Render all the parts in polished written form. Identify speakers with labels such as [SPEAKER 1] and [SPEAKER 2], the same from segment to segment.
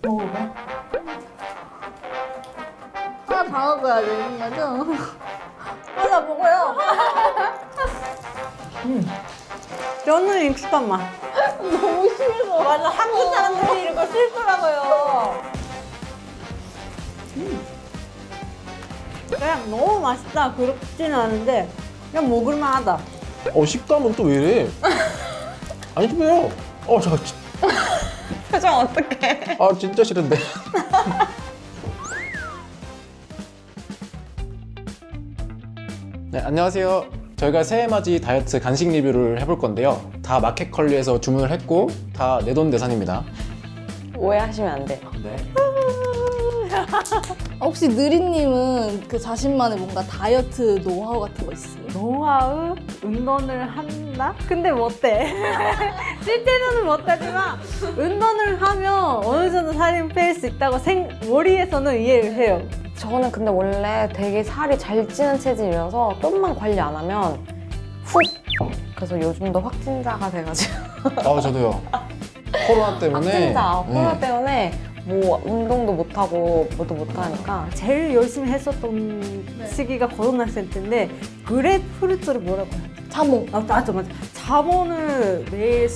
[SPEAKER 1] 먹어봐.
[SPEAKER 2] 하나 다 먹어야 되는 거죠? 하나 먹어요.
[SPEAKER 1] 저는 익숙한 맛.
[SPEAKER 2] 너무 싫어.
[SPEAKER 1] 맞아, 한국 사람들이 이런 거 싫더라고요. 그냥 너무 맛있다 그렇지는 않은데 그냥 먹을만하다.
[SPEAKER 3] 식감은 또 왜 이래? 아니 좀 해요. 잠깐.
[SPEAKER 1] 표정 어떡해?
[SPEAKER 3] 진짜 싫은데. 네, 안녕하세요. 저희가 새해맞이 다이어트 간식 리뷰를 해볼 건데요. 다 마켓컬리에서 주문을 했고 다 내돈내산입니다.
[SPEAKER 4] 오해하시면 안 돼요.
[SPEAKER 3] 네.
[SPEAKER 2] 혹시 느리님은 그 자신만의 뭔가 다이어트 노하우 같은 거 있어요?
[SPEAKER 1] 노하우? 운동을 한다? 근데 못해. 실제로는 못하지만 운동을 하면 어느 정도 살이 뺄 수 있다고 머리에서는 이해를 해요.
[SPEAKER 4] 저는 근데 원래 되게 살이 잘 찌는 체질이라서 좀만 관리 안 하면 훅! 그래서 요즘도 확진자가 돼가지고
[SPEAKER 3] 저도요. 코로나 때문에.
[SPEAKER 4] 확진자, 코로나 때문에 뭐 운동도 못하고 뭐도 못하니까
[SPEAKER 1] 제일 열심히 했었던 시기가 고등학생 때인데 그래프루트를 뭐라고 해요?
[SPEAKER 2] 자몽.
[SPEAKER 1] 맞아. 자몽을 매일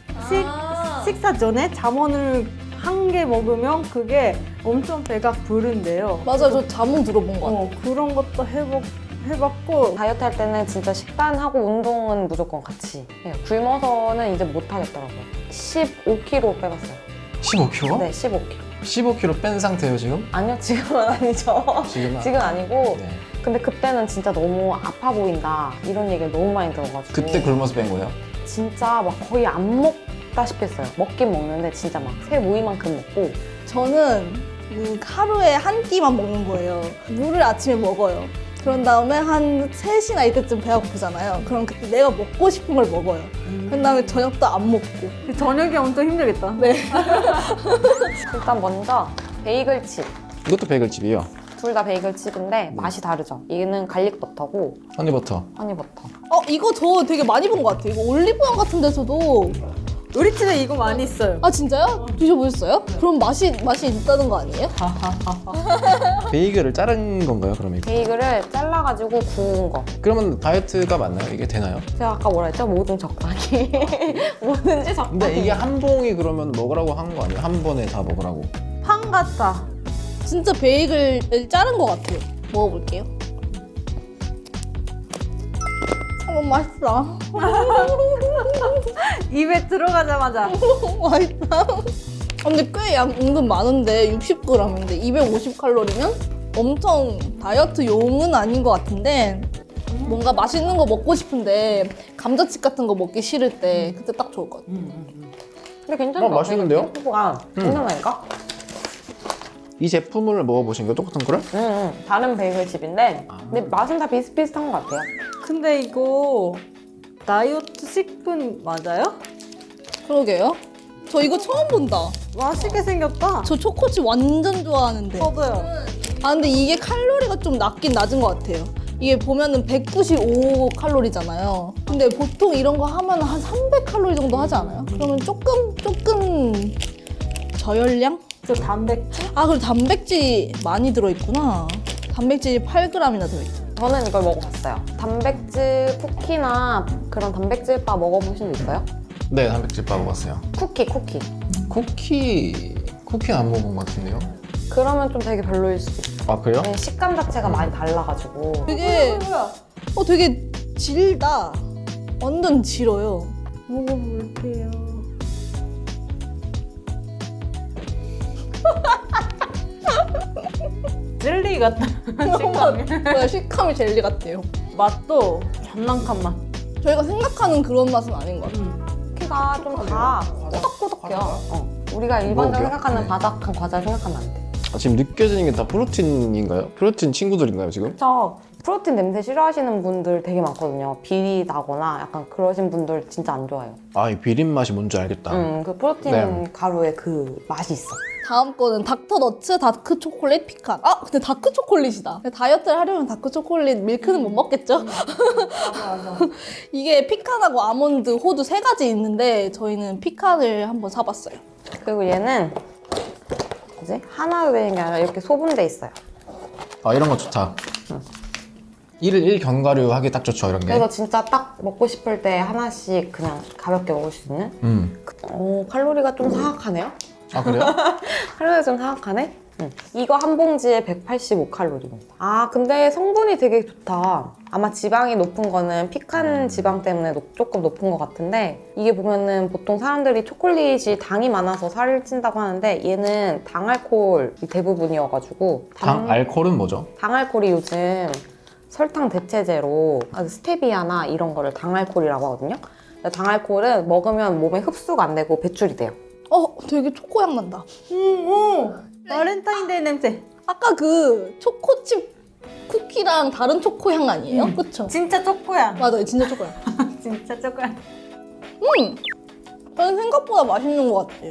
[SPEAKER 1] 식사 전에 자몽을 한 개 먹으면 그게 엄청 배가 부른데요.
[SPEAKER 2] 맞아, 저 자몽 들어본 거 같아요.
[SPEAKER 1] 그런 것도 해봤고
[SPEAKER 4] 다이어트 할 때는 진짜 식단하고 운동은 무조건 같이 해요. 굶어서는 이제 못하겠더라고요. 15kg 빼봤어요.
[SPEAKER 3] 15kg?
[SPEAKER 4] 네, 15kg.
[SPEAKER 3] 15kg 뺀 상태예요 지금?
[SPEAKER 4] 아니요, 지금은 아니죠.
[SPEAKER 3] 지금은
[SPEAKER 4] 지금 아니고
[SPEAKER 3] 네.
[SPEAKER 4] 근데 그때는 진짜 너무 아파 보인다 이런 얘기를 너무 많이 들어가지고
[SPEAKER 3] 그때 굶어서 뺀 거예요?
[SPEAKER 4] 진짜 막 거의 안 먹다시피 했어요. 먹긴 먹는데 진짜 막 새 모이만큼 먹고
[SPEAKER 2] 저는 하루에 한 끼만 먹는 거예요. 물을 아침에 먹어요. 그런 다음에 한 3시나 이때쯤 배가 고프잖아요. 그럼 그때 내가 먹고 싶은 걸 먹어요. 그 다음에 저녁도 안 먹고.
[SPEAKER 1] 저녁이 엄청 힘들겠다.
[SPEAKER 2] 네.
[SPEAKER 4] 일단 먼저 베이글칩
[SPEAKER 3] 이것도 베이글칩이에요.
[SPEAKER 4] 둘 다 베이글칩인데 맛이 다르죠. 얘는 갈릭 버터고
[SPEAKER 3] 허니버터.
[SPEAKER 4] 허니버터.
[SPEAKER 2] 이거 저 되게 많이 본 것 같아요. 이거 올리브영 같은 데서도.
[SPEAKER 1] 우리 집에 이거 많이 있어요.
[SPEAKER 2] 아, 진짜요? 드셔보셨어요? 그럼 맛이 있다는 거 아니에요?
[SPEAKER 3] 베이글을 자른 건가요 그럼 이거?
[SPEAKER 4] 베이글을 잘라가지고 구운 거.
[SPEAKER 3] 그러면 다이어트가 맞나요? 이게 되나요?
[SPEAKER 4] 제가 아까 뭐라 했죠? 뭐든 적당히. 뭐든지 적당히.
[SPEAKER 3] 근데 이게 한 봉이 그러면 먹으라고 한 거 아니에요? 한 번에 다 먹으라고.
[SPEAKER 1] 판 같아.
[SPEAKER 2] 진짜 베이글을 자른 것 같아요. 먹어볼게요. 참 맛있다.
[SPEAKER 1] 입에 들어가자마자
[SPEAKER 2] 맛있다. 근데 꽤 양 은근 많은데 60g인데 250칼로리면 엄청 다이어트용은 아닌 것 같은데 뭔가 맛있는 거 먹고 싶은데 감자칩 같은 거 먹기 싫을 때 그때 딱 좋을 것 같아요.
[SPEAKER 4] 근데 괜찮다.
[SPEAKER 3] 맛있는데요?
[SPEAKER 4] 피부가 괜찮다니까?
[SPEAKER 3] 이 제품을 먹어보신 거예요? 똑같은 거를?
[SPEAKER 4] 다른 베이글칩인데 근데 맛은 다 비슷비슷한 것 같아요.
[SPEAKER 1] 근데 이거 다이어트 식품 맞아요?
[SPEAKER 2] 그러게요. 저 이거 처음 본다.
[SPEAKER 1] 맛있게 생겼다.
[SPEAKER 2] 저 초코칩 완전 좋아하는데.
[SPEAKER 1] 저도요.
[SPEAKER 2] 근데 이게 칼로리가 좀 낮긴 낮은 것 같아요. 이게 보면은 195칼로리잖아요. 근데 보통 이런 거 하면 한 300칼로리 정도 하지 않아요? 그러면 조금 저열량?
[SPEAKER 1] 저 단백질?
[SPEAKER 2] 그리고 단백질 많이 들어있구나. 단백질이 8g이나 들어있죠.
[SPEAKER 4] 저는 이걸 먹어봤어요. 단백질 쿠키나 그런 단백질 바 먹어보신 적 있어요?
[SPEAKER 3] 네, 단백질밥 먹었어요.
[SPEAKER 4] 쿠키.
[SPEAKER 3] 쿠키는 안 먹은 것 같은데요?
[SPEAKER 4] 그러면 좀 되게 별로일 수도 있어요.
[SPEAKER 3] 아 그래요?
[SPEAKER 4] 네, 식감 자체가 많이 달라가지고
[SPEAKER 2] 되게 되게 질다. 완전 질어요.
[SPEAKER 1] 먹어볼게요. 젤리 같다. 식감이.
[SPEAKER 2] 식감이 젤리 같아요.
[SPEAKER 1] 맛도 장난감 맛.
[SPEAKER 2] 저희가 생각하는 그런 맛은 아닌 것 같아요.
[SPEAKER 4] 쿠키가 좀 다 꾸덕꾸덕해요. 우리가 일반적으로
[SPEAKER 3] 먹어볼게요.
[SPEAKER 4] 생각하는
[SPEAKER 3] 네.
[SPEAKER 4] 바삭한 과자 생각하면 안 돼.
[SPEAKER 3] 지금 느껴지는 게 다 프로틴인가요? 프로틴 친구들인가요 지금?
[SPEAKER 4] 저 프로틴 냄새 싫어하시는 분들 되게 많거든요. 비리 나거나 약간 그러신 분들 진짜 안 좋아해요.
[SPEAKER 3] 이 비린 맛이 뭔지 알겠다.
[SPEAKER 4] 그 프로틴
[SPEAKER 3] 네.
[SPEAKER 4] 가루의 그 맛이 있어.
[SPEAKER 2] 다음 거는 닥터너츠 다크 초콜릿 피칸. 근데 다크 초콜릿이다. 근데 다이어트를 하려면 다크 초콜릿 밀크는 못 먹겠죠?
[SPEAKER 1] 맞아.
[SPEAKER 2] 이게 피칸하고 아몬드, 호두 3가지 있는데 저희는 피칸을 한번 사봤어요.
[SPEAKER 4] 그리고 얘는 뭐지? 하나 되는 게 아니라 이렇게 소분돼 있어요.
[SPEAKER 3] 아, 이런 거 좋다. 1일 1견과류 하기 딱 좋죠, 이런 게.
[SPEAKER 4] 그래서 진짜 딱 먹고 싶을 때 하나씩 그냥 가볍게 먹을 수 있는? 칼로리가 좀 사악하네요?
[SPEAKER 3] 아, 그래요?
[SPEAKER 4] 칼로리가 좀 사악하네? 이거 한 봉지에 185칼로리입니다. 아, 근데 성분이 되게 좋다. 아마 지방이 높은 거는 피칸 지방 때문에 조금 높은 것 같은데, 이게 보면은 보통 사람들이 초콜릿이 당이 많아서 살을 찐다고 하는데 얘는 당알코올이 대부분이어가지고
[SPEAKER 3] 당알코올은 뭐죠?
[SPEAKER 4] 당알코올이 요즘 설탕 대체제로 스테비아나 이런 거를 당알코올이라고 하거든요. 근데 당알코올은 먹으면 몸에 흡수가 안 되고 배출이 돼요.
[SPEAKER 2] 되게 초코향 난다.
[SPEAKER 1] 발렌타인데이 냄새.
[SPEAKER 2] 아까 그 초코칩 쿠키랑 다른 초코향 아니에요? 그쵸?
[SPEAKER 1] 진짜 초코야.
[SPEAKER 2] 맞아요, 진짜 초코향.
[SPEAKER 1] 진짜 초코야.
[SPEAKER 2] 저는 생각보다 맛있는 것 같아요.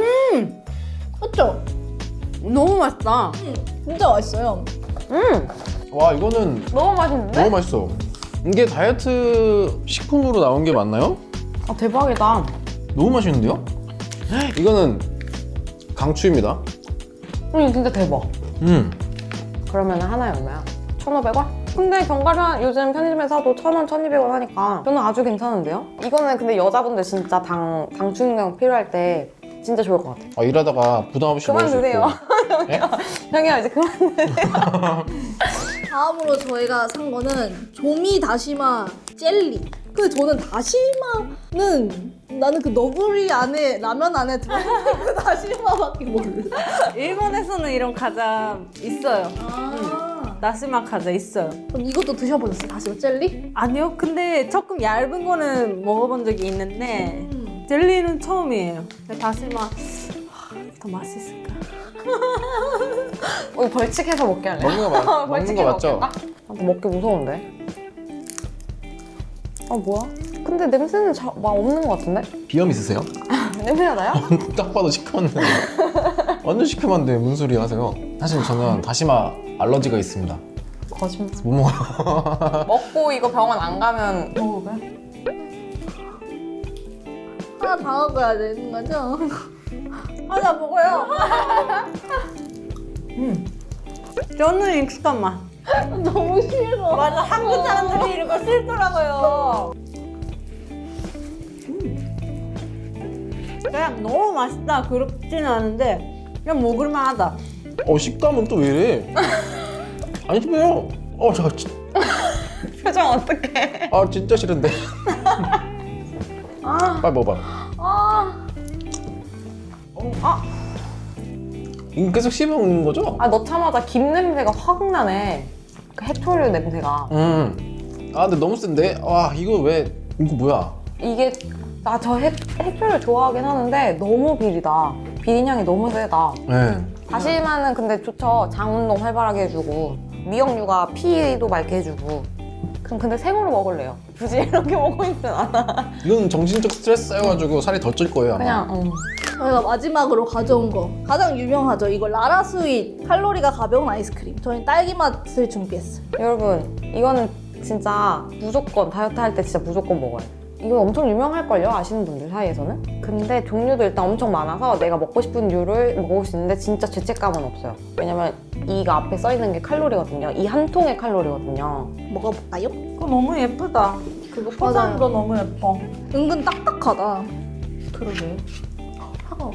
[SPEAKER 2] 그쵸?
[SPEAKER 1] 너무 맛있다.
[SPEAKER 2] 진짜 맛있어요.
[SPEAKER 3] 와, 이거는
[SPEAKER 4] 너무 맛있는데?
[SPEAKER 3] 너무 맛있어. 이게 다이어트 식품으로 나온 게 맞나요?
[SPEAKER 4] 아, 대박이다.
[SPEAKER 3] 너무 맛있는데요? 이거는 강추입니다.
[SPEAKER 4] 진짜 대박. 그러면 하나에 얼마야? 1,500원? 근데 견과류 요즘 편의점에 사도 1,000원, 1,200원 하니까 저는 아주 괜찮은데요? 이거는 근데 여자분들 진짜 당 충격 필요할 때 진짜 좋을 것 같아요.
[SPEAKER 3] 일하다가 부담 없이 먹을 수 있고.
[SPEAKER 4] 그만 드세요.
[SPEAKER 3] 예?
[SPEAKER 4] 형이야, 이제 그만 드세요.
[SPEAKER 2] 다음으로 저희가 산 거는 조미 다시마 젤리. 근데 저는 다시마는 나는 그 너구리 안에 라면 안에 들어있는 그 다시마밖에 몰라.
[SPEAKER 1] 일본에서는 이런 과자 있어요. 다시마 과자 있어요.
[SPEAKER 2] 그럼 이것도 드셔보셨어요? 다시마 젤리?
[SPEAKER 1] 아니요. 근데 조금 얇은 거는 먹어본 적이 있는데 젤리는 처음이에요. 다시마 더 맛있을까?
[SPEAKER 4] 우리 벌칙해서 먹게 할래?
[SPEAKER 3] 먹는 거 먹는 거 맞죠?
[SPEAKER 4] 먹기 무서운데? 뭐야? 근데 냄새는 막 없는 것 같은데?
[SPEAKER 3] 비염 있으세요?
[SPEAKER 4] 냄새가 나요?
[SPEAKER 3] 딱 봐도 시큼한데. 완전 시큼한데 무슨 소리 하세요? 사실 저는 다시마 알러지가 있습니다.
[SPEAKER 4] 거짓말.
[SPEAKER 3] 못 먹어요.
[SPEAKER 4] 먹고 이거 병원 안 가면
[SPEAKER 1] 먹어봐.
[SPEAKER 2] 하나 다 먹어야 되는 거죠? 하나 먹어요.
[SPEAKER 1] 저는 익숙한 맛.
[SPEAKER 2] 너무 싫어.
[SPEAKER 1] 맞아, 한국 사람들이 이런 거 싫더라고요. 그냥 너무 맛있다 그렇지는 않은데 그냥 먹을만 하다.
[SPEAKER 3] 식감은 또 왜 이래? 아니, 왜요? 잠깐.
[SPEAKER 4] 표정 어떡해?
[SPEAKER 3] 진짜 싫은데. 빨리 먹어봐. 이거 계속 씹어먹는 거죠?
[SPEAKER 4] 넣자마자 김 냄새가 확 나네. 그 해초류 냄새가.
[SPEAKER 3] 근데 너무 센데? 이거 뭐야?
[SPEAKER 4] 이게 저 해초를 좋아하긴 하는데 너무 비리다. 비린 향이 너무 세다.
[SPEAKER 3] 네.
[SPEAKER 4] 다시마는 근데 좋죠. 장 운동 활발하게 해주고 미역류가 피도 맑게 해주고. 그럼 근데 생으로 먹을래요. 굳이 이렇게 먹고 있진 않아.
[SPEAKER 3] 이건 정신적 스트레스 쌓여가지고 살이 더 찔 거예요, 아마.
[SPEAKER 4] 그냥
[SPEAKER 2] 저희가 마지막으로 가져온 거 가장 유명하죠. 이거 라라 스윗 칼로리가 가벼운 아이스크림. 저희는 딸기 맛을 준비했어요.
[SPEAKER 4] 여러분 이거는 진짜 무조건 다이어트 할 때 진짜 무조건 먹어요. 이거 엄청 유명할걸요? 아시는 분들 사이에서는? 근데 종류도 일단 엄청 많아서 내가 먹고 싶은 류를 먹을 수 있는데 진짜 죄책감은 없어요. 왜냐면 이가 앞에 써있는 게 칼로리거든요. 이 한 통의 칼로리거든요.
[SPEAKER 2] 먹어볼까요?
[SPEAKER 1] 그거 너무 예쁘다. 그거 포장한 거 너무 예뻐.
[SPEAKER 2] 은근 딱딱하다.
[SPEAKER 1] 그러게.
[SPEAKER 2] 차가워.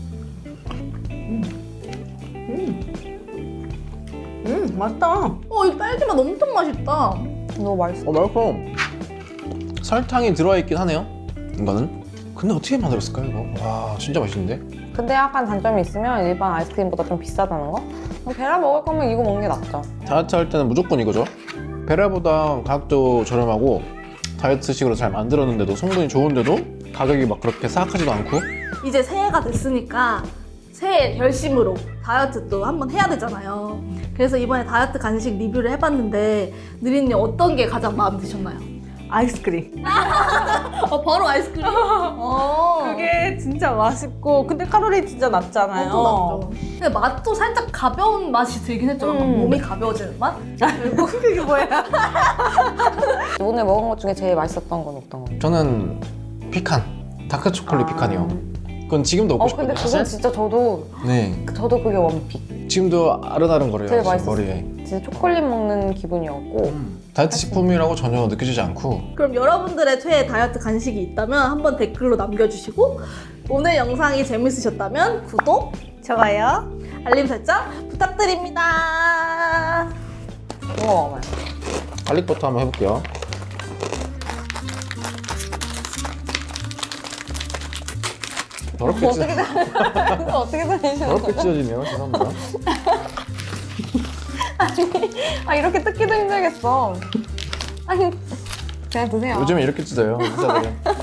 [SPEAKER 1] 맛있다.
[SPEAKER 2] 이 딸기 맛 엄청 맛있다.
[SPEAKER 4] 너무 맛있어.
[SPEAKER 3] 맛있어. 설탕이 들어있긴 하네요, 이거는. 근데 어떻게 만들었을까요, 이거? 와, 진짜 맛있는데?
[SPEAKER 4] 근데 약간 단점이 있으면 일반 아이스크림보다 좀 비싸다는 거? 베라 먹을 거면 이거 먹는 게 낫죠.
[SPEAKER 3] 다이어트 할 때는 무조건 이거죠. 베라보다 가격도 저렴하고 다이어트식으로 잘 만들었는데도 성분이 좋은데도 가격이 막 그렇게 싸하지도 않고.
[SPEAKER 2] 이제 새해가 됐으니까 새해 결심으로 다이어트도 한번 해야 되잖아요. 그래서 이번에 다이어트 간식 리뷰를 해봤는데 느린님 어떤 게 가장 마음에 드셨나요?
[SPEAKER 1] 아이스크림.
[SPEAKER 2] 바로 아이스크림?
[SPEAKER 1] 그게 진짜 맛있고 근데 칼로리 진짜 낮잖아요.
[SPEAKER 2] 맞죠. 근데 맛도 살짝 가벼운 맛이 들긴 했죠. 약간 몸이 가벼워지는 맛?
[SPEAKER 1] 그게 뭐야?
[SPEAKER 4] 오늘 먹은 것 중에 제일 맛있었던 건 어떤 거예요?
[SPEAKER 3] 저는 피칸, 다크 초콜릿 피칸이요. 그건 지금도 먹고
[SPEAKER 4] 근데
[SPEAKER 3] 싶거든요.
[SPEAKER 4] 그건
[SPEAKER 3] 사실.
[SPEAKER 4] 진짜
[SPEAKER 3] 네.
[SPEAKER 4] 저도 그게 원픽.
[SPEAKER 3] 지금도 아른아른거려요.
[SPEAKER 4] 되게
[SPEAKER 3] 지금
[SPEAKER 4] 맛있었어요.
[SPEAKER 3] 머리에.
[SPEAKER 4] 진짜 초콜릿 먹는 기분이었고.
[SPEAKER 3] 다이어트 식품이라고 전혀 느껴지지 않고
[SPEAKER 2] 그럼 여러분들의 최애 다이어트 간식이 있다면 한번 댓글로 남겨주시고 오늘 영상이 재밌으셨다면 구독,
[SPEAKER 1] 좋아요.
[SPEAKER 2] 알림 설정 부탁드립니다.
[SPEAKER 4] 이거 먹어봐요.
[SPEAKER 3] 갈릭버터 한번 해볼게요. 더럽게 찢
[SPEAKER 4] 어떻게 다니시는
[SPEAKER 3] 더럽게 찢어지네요. 죄송합니다.
[SPEAKER 4] 아, 이렇게 뜯기도 힘들겠어. 아니, 그냥 드세요.
[SPEAKER 3] 요즘에 이렇게 찢어요. 의사들은.